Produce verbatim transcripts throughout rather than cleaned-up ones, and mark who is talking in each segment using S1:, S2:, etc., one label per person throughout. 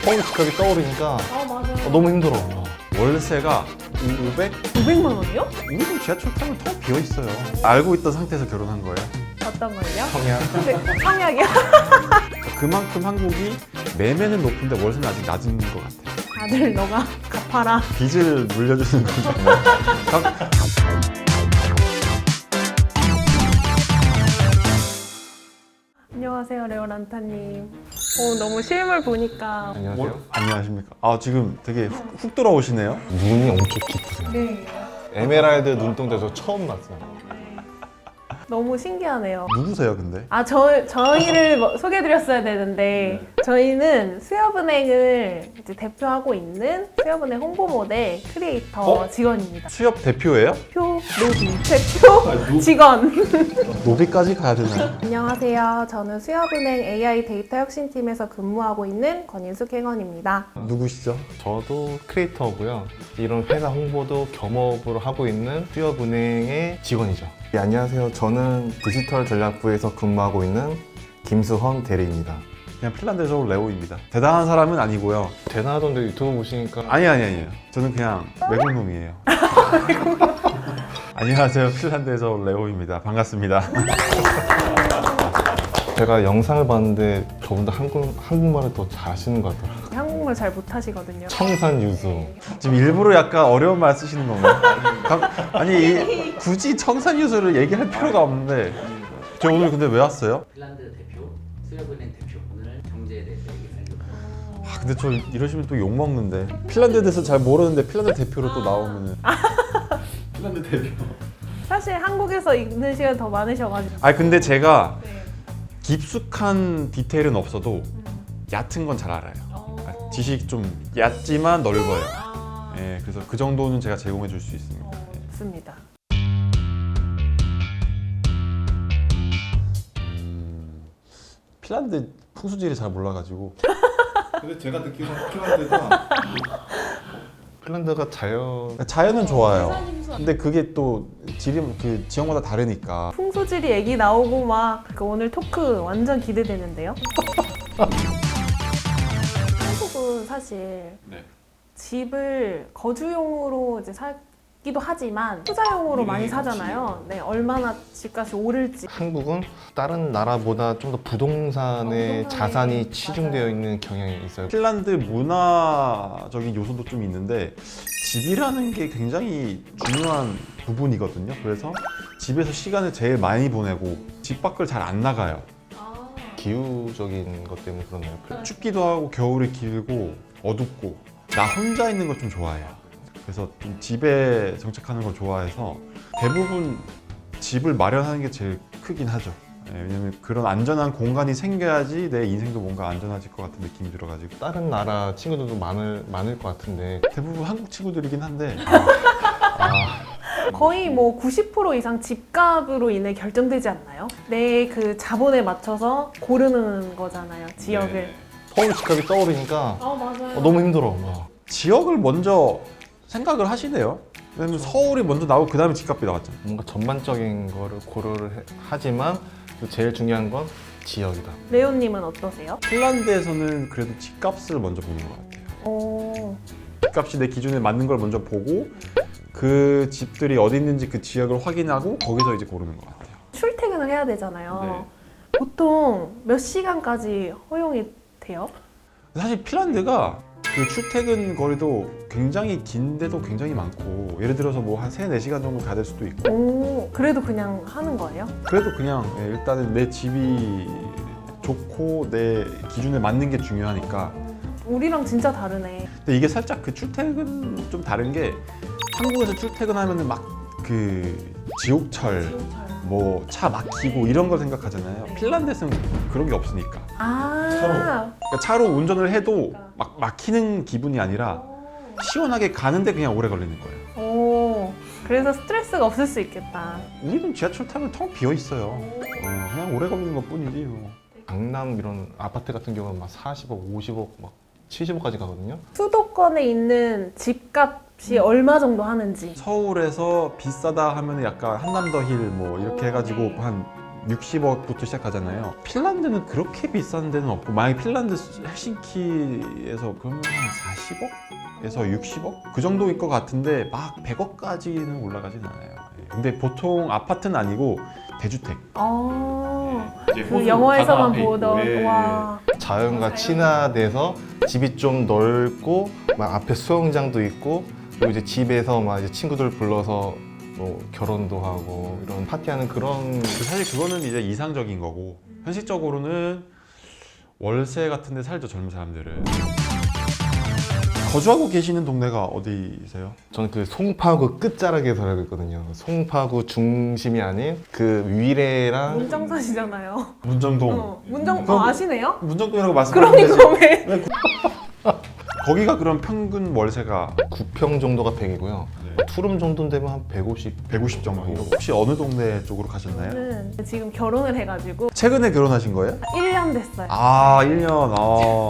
S1: 서울 집값이 떠오르니까
S2: 아 맞아요.
S1: 어, 너무 힘들어.
S3: 월세가 오백?
S2: 오백만 원이요?
S3: 우리도 지하철 타면 텅 비어 있어요. 알고 있던 상태에서 결혼한 거예요.
S2: 어떤 걸요?
S1: 성향.
S2: 네, 청약이요?
S3: 그만큼 한국이 매매는 높은데 월세는 아직 낮은 것 같아요.
S2: 아들 너가 갚아라.
S3: 빚을 물려주는 건지 뭐. 각-
S2: 안녕하세요 레오란타님. 오 너무 실물 보니까.
S1: 안녕하세요.
S3: 안녕하십니까. 아 지금 되게 훅, 훅 돌아오시네요.
S1: 눈이 엄청 깊으세요.
S2: 네.
S1: 에메랄드 눈동자 저 처음 봤어요.
S2: 너무 신기하네요.
S3: 누구세요 근데?
S2: 아, 저, 저희를 뭐 소개해드렸어야 되는데, 저희는 수협은행을 이제 대표하고 있는 수협은행 홍보 모델 크리에이터
S3: 어?
S2: 직원입니다.
S3: 수협 대표예요?
S2: 표, 노비, 대표 직원.
S3: 노비까지 가야 되나요?
S2: 안녕하세요. 저는 수협은행 에이아이 데이터 혁신팀에서 근무하고 있는 권인숙 행원입니다.
S3: 누구시죠?
S1: 저도 크리에이터고요. 이런 회사 홍보도 겸업으로 하고 있는 수협은행의 직원이죠. 네, 안녕하세요. 저는 디지털 전략부에서 근무하고 있는 김수헌 대리입니다.
S3: 그냥 핀란드에서 온 레오입니다. 대단한 사람은 아니고요.
S1: 대단하던데 유튜브 보시니까
S3: 아니 아니 아니에요. 저는 그냥 외국 놈이에요. 안녕하세요. 핀란드에서 온 레오입니다. 반갑습니다.
S1: 제가 영상을 봤는데 저보다 한국, 한국말을 더 잘하시는 것 같더라고요.
S2: 한국말 잘 못하시거든요.
S1: 청산 유수.
S3: 지금 일부러 약간 어려운 말 쓰시는 건가요? 감- 아니 이- 굳이 청산유수를 얘기할 필요가 없는데 저 오늘 근데 왜 왔어요?
S4: 핀란드 대표, 수협은행 대표 오늘 경제에 대해서 얘기하려고.
S3: 아 근데 저 이러시면 또 욕 먹는데 핀란드에 대해서 잘 모르는데 핀란드 대표로 또 나오면은 핀란드 대표.
S2: 사실 한국에서 있는 시간 더 많으셔가지고.
S3: 아니 근데 제가
S2: 네.
S3: 깊숙한 디테일은 없어도 얕은 건 잘 알아요.
S2: 어.
S3: 지식 좀 얕지만 넓어요.
S2: 아,
S3: 예, 그래서 그 정도는 제가 제공해 줄 수 있습니다. 예.
S2: 좋습니다.
S3: 음, 핀란드 풍수지리 잘 몰라가지고
S5: 근데 제가 듣기로는 핀란드가
S1: 핀란드가 자연
S3: 자연은 좋아요. 근데 그게 또 지리 그 지역마다 다르니까.
S2: 풍소지리 얘기 나오고 막 그 오늘 토크 완전 기대되는데요. 한국은 사실
S3: 네.
S2: 집을 거주용으로 이제 사기도 하지만 투자용으로 많이 사잖아요. 네, 얼마나 집값이 오를지.
S1: 한국은 다른 나라보다 좀 더 부동산에
S2: 어, 부동산에
S1: 자산이 치중되어
S2: 맞아요.
S1: 있는 경향이 있어요.
S3: 핀란드 문화적인 요소도 좀 있는데 집이라는 게 굉장히 중요한 부분이거든요. 그래서 집에서 시간을 제일 많이 보내고 집 밖을 잘 안 나가요.
S1: 기후적인 것 때문에 그러나요?
S3: 춥기도 하고 겨울이 길고 어둡고 나 혼자 있는 걸 좀 좋아해요. 그래서 좀 집에 정착하는 걸 좋아해서 대부분 집을 마련하는 게 제일 크긴 하죠. 예, 왜냐면 그런 안전한 공간이 생겨야지 내 인생도 뭔가 안전해질 것 같은 느낌이 들어가지고
S1: 다른 나라 친구들도 많을, 많을 것 같은데
S3: 대부분 한국 친구들이긴 한데
S2: 거의 뭐 구십 퍼센트 이상 집값으로 인해 결정되지 않나요? 내 그 자본에 맞춰서 고르는 거잖아요, 지역을.
S3: 네.
S1: 서울 집값이 떠오르니까
S2: 아 맞아요.
S1: 어, 너무 힘들어. 막.
S3: 지역을 먼저 생각을 하시네요. 왜냐면 서울이 먼저 나오고 그 다음에 집값이 나왔잖아요.
S1: 뭔가 전반적인 거를 고려를 해- 하지만 또 제일 중요한 건 지역이다.
S2: 레오님은 어떠세요?
S3: 핀란드에서는 그래도 집값을 먼저 보는 것 같아요.
S2: 어,
S3: 집값이 내 기준에 맞는 걸 먼저 보고 그 집들이 어디 있는지 그 지역을 확인하고 거기서 이제 고르는 것 같아요.
S2: 출퇴근을 해야 되잖아요. 보통 몇 시간까지 허용이 돼요?
S3: 사실 핀란드가 그 출퇴근 거리도 굉장히 긴데도 굉장히 많고 예를 들어서 뭐 한 세네 시간 정도 가야 될 수도 있고
S2: 오, 그래도 그냥 하는 거예요?
S3: 그래도 그냥 예, 일단은 내 집이 좋고 내 기준에 맞는 게 중요하니까.
S2: 우리랑 진짜 다르네.
S3: 근데 이게 살짝 그 출퇴근 좀 다른 게 한국에서 출퇴근하면은 막 그 지옥철 뭐 차 막히고 이런 걸 생각하잖아요. 핀란드에서는 그런 게 없으니까.
S2: 아,
S3: 그러니까 차로 운전을 해도 막 막히는 기분이 아니라 시원하게 가는데 그냥 오래 걸리는 거예요.
S2: 오, 그래서 스트레스가 없을 수 있겠다.
S3: 우리는 지하철 타면 텅 비어 있어요. 어, 그냥 오래 걸리는 것 뿐이지 뭐.
S1: 강남 이런 아파트 같은 경우는 막 사십억, 오십억, 막 칠십억까지 가거든요.
S2: 수도권에 있는 집값이 얼마 정도 하는지.
S3: 서울에서 비싸다 하면 약간 한남더 힐 뭐 이렇게 해가지고 한 육십억부터 시작하잖아요. 핀란드는 그렇게 비싼 데는 없고, 만약에 핀란드 헬싱키에서 그러면 한 사십억에서 육십억? 그 정도일 것 같은데 막 백억까지는 올라가진 않아요. 예. 근데 보통 아파트는 아니고 대주택.
S2: 아,
S5: 이제
S2: 그
S5: 호수
S2: 영화에서만
S5: 바다 앞에
S2: 보던
S5: 있고, 예.
S2: 와.
S1: 자연과 친화돼서 집이 좀 넓고 막 앞에 수영장도 있고 그리고 이제 집에서 막 이제 친구들 불러서 뭐 결혼도 하고 이런 파티하는 그런
S3: 사실 그거는 이제 이상적인 거고, 현실적으로는 월세 같은 데 살죠, 젊은 사람들은. 거주하고 계시는 동네가 어디세요?
S1: 저는 그 송파구 끝자락에 살고 있거든요. 송파구 중심이 아닌 그 위례랑
S2: 문정선이잖아요.
S3: 문정동.
S2: 어, 문정
S3: 그럼-
S2: 어, 아시네요?
S3: 문정동이라고 말씀하셨는데
S2: 그러니까 왜?
S3: 거기가 그럼 평균 월세가
S1: 구 평 정도가 백이고요.
S3: 네.
S1: 투룸 정도 되면 한 백오십.
S3: 백오십 정도. 혹시 어느 동네 쪽으로 가셨나요?
S2: 저는 지금 결혼을 해가지고
S3: 최근에 결혼하신 거예요?
S2: 일 년 됐어요.
S3: 아, 일 년. 아.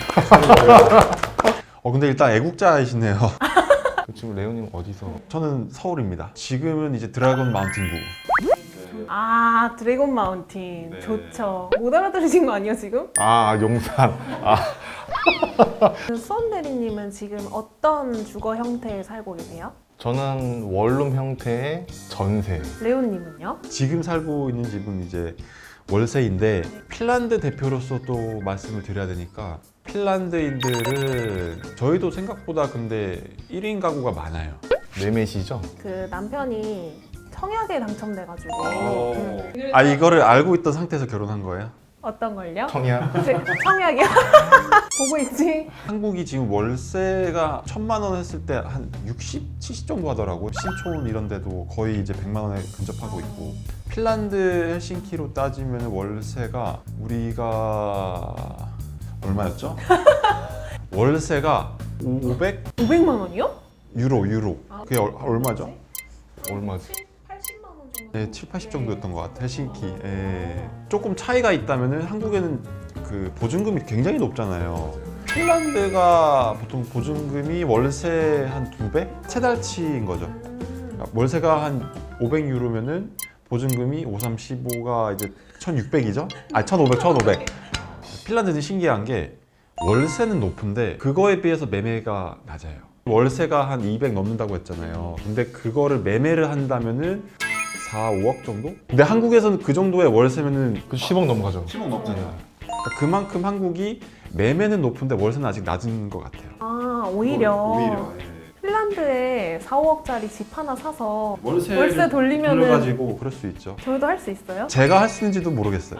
S3: 어, 근데 일단 애국자이시네요.
S1: 지금 레오님 어디서?
S3: 저는 서울입니다. 지금은 이제 드래곤 마운틴구.
S2: 아, 드래곤 마운틴
S3: 네.
S2: 좋죠. 못 알아들으신 거 아니에요 지금?
S1: 아 용산. 아
S2: 수원 대리님은 지금 어떤 주거 형태에 살고 계세요?
S1: 저는 원룸 형태의 전세.
S2: 레오님은요?
S3: 지금 살고 있는 집은 이제 월세인데, 핀란드 대표로서 또 말씀을 드려야 되니까, 핀란드인들은 저희도 생각보다 근데 일 인 가구가 많아요.
S1: 매매시죠?
S2: 그 남편이 청약에 당첨돼가지고
S3: 오.
S2: 음.
S3: 아, 이거를 알고 있던 상태에서 결혼한 거예요?
S2: 어떤 걸요?
S1: 청약.
S2: 제- 청약이요? 보고 있지?
S3: 한국이 지금 월세가 천만 원 했을 때 한 육십, 칠십 정도 하더라고요. 신촌 이런 데도 거의 이제 백만 원에 근접하고 있고, 핀란드 헬싱키로 따지면 월세가 우리가 얼마였죠? 월세가 오백
S2: 오백만 원이요?
S3: 유로 유로. 그게 얼, 얼마죠?
S1: 얼마지?
S2: 팔십만 원 정도.
S3: 네, 칠, 팔십 정도 였던 것 같아요. 헬싱키. 예. 조금 차이가 있다면은 한국에는 그 보증금이 굉장히 높잖아요. 핀란드가 보통 보증금이 월세 한 두 배? 세 달치인 거죠. 그러니까 월세가 한 오백 유로면은 보증금이 오, 삼, 십오가 이제 천육백이죠? 아니 천오백, 천오백. 핀란드는 신기한 게 월세는 높은데 그거에 비해서 매매가 낮아요. 월세가 한 이백 넘는다고 했잖아요. 근데 그거를 매매를 한다면은 사, 오억 정도? 근데 한국에서는 그 정도의 월세면은
S1: 그 십억 넘어가죠.
S3: 십억 넘잖아요. 그러니까 그만큼 한국이 매매는 높은데 월세는 아직 낮은 것 같아요.
S2: 아, 오히려,
S3: 오히려 예.
S2: 핀란드에 사, 오억짜리 집 하나 사서
S3: 월세
S2: 월세 돌리면은
S3: 돌려가지고 그럴 수 있죠.
S2: 저희도 할 수 있어요?
S3: 제가 할 수 있는지도 모르겠어요.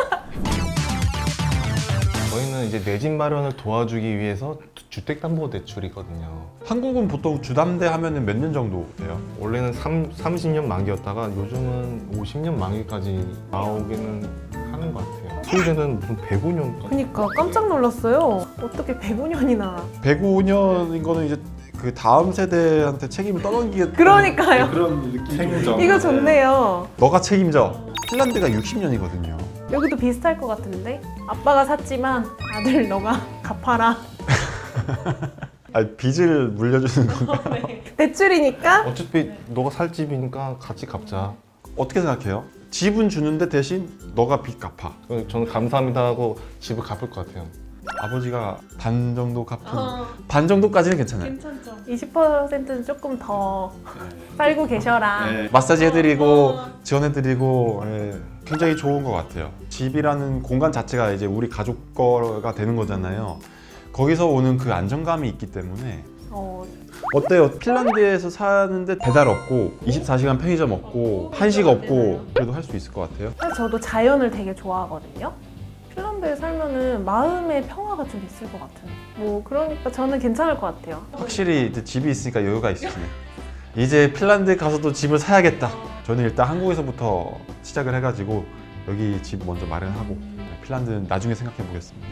S1: 저희는 이제 내 집 마련을 도와주기 위해서 주택담보대출이거든요.
S3: 한국은 보통 주담대 하면은 몇 년 정도 돼요?
S1: 원래는 삼, 삼십 년 만기였다가 요즘은 오십 년 만기까지 나오기는 하는 것 같아요. 스웨덴은 무슨 백오 년까지.
S2: 그니까 깜짝 놀랐어요. 어떻게 백오 년이나.
S3: 백오 년인 거는 이제 그 다음 세대한테 책임을 떠넘기게
S2: 그러니까요.
S5: 그런 느낌이
S1: 책임져.
S5: 좀
S2: 이거 좋네요.
S3: 너가 책임져. 핀란드가 육십 년이거든요.
S2: 여기도 비슷할 것 같은데? 아빠가 샀지만 아들 너가 갚아라.
S3: 아, 빚을 물려주는 건가?
S2: 대출이니까
S1: 어차피 너가 살 집이니까 같이 갚자.
S3: 어떻게 생각해요? 집은 주는데 대신 너가 빚 갚아.
S1: 저는 감사합니다 하고 집을 갚을 것 같아요.
S3: 아버지가 반 정도 갚은 반 정도까지는 괜찮아요.
S2: 괜찮죠. 이십 퍼센트는 조금 더 살고 계셔라.
S5: 네.
S3: 마사지 해드리고 지원해드리고 예, 굉장히 좋은 것 같아요. 집이라는 공간 자체가 이제 우리 가족 거가 되는 거잖아요. 거기서 오는 그 안정감이 있기 때문에.
S2: 어,
S3: 어때요? 핀란드에서 사는데 배달 없고 이십사 시간 편의점 없고 한식 없고 그래도 할 수 있을 것 같아요.
S2: 사실 저도 자연을 되게 좋아하거든요. 핀란드에 살면은 마음의 평화가 좀 있을 것 같은. 뭐 그러니까 저는 괜찮을 것 같아요.
S3: 확실히 이제 집이 있으니까 여유가 있으시네. 이제 핀란드 가서도 집을 사야겠다. 저는 일단 한국에서부터 시작을 해가지고 여기 집 먼저 마련하고 핀란드는 나중에 생각해 보겠습니다.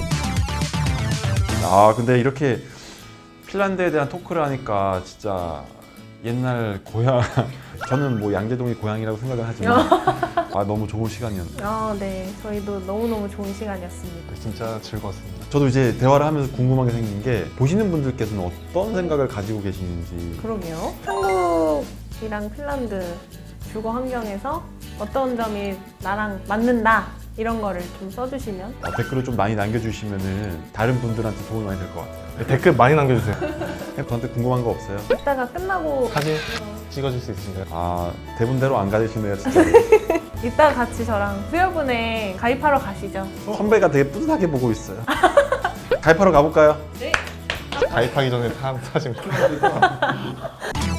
S3: 아 근데 이렇게 핀란드에 대한 토크를 하니까 진짜 옛날 고향 저는 뭐 양재동이 고향이라고 생각을 하지만 아 너무 좋은 시간이었네요.
S2: 아, 네. 저희도 너무너무 좋은 시간이었습니다.
S1: 진짜 즐거웠습니다.
S3: 저도 이제 대화를 하면서 궁금한 게 생긴 게 보시는 분들께서는 어떤 생각을 가지고 계시는지.
S2: 그러게요. 한국이랑 핀란드 주거 환경에서 어떤 점이 나랑 맞는다 이런 거를 좀 써주시면
S3: 어, 댓글을 좀 많이 남겨주시면은 다른 분들한테 도움이 많이 될 것 같아요.
S1: 네, 댓글 많이 남겨주세요.
S3: 저한테 궁금한 거 없어요?
S2: 이따가 끝나고
S1: 사진 찍어줄 수 있으신가요?
S3: 아 대본대로 안 가시네요 진짜.
S2: 이따 같이 저랑 수협은행 가입하러 가시죠.
S3: 선배가 되게 뿌듯하게 보고 있어요. 가입하러 가볼까요?
S1: 가입하기 전에 사- 사진
S5: 필요한 데가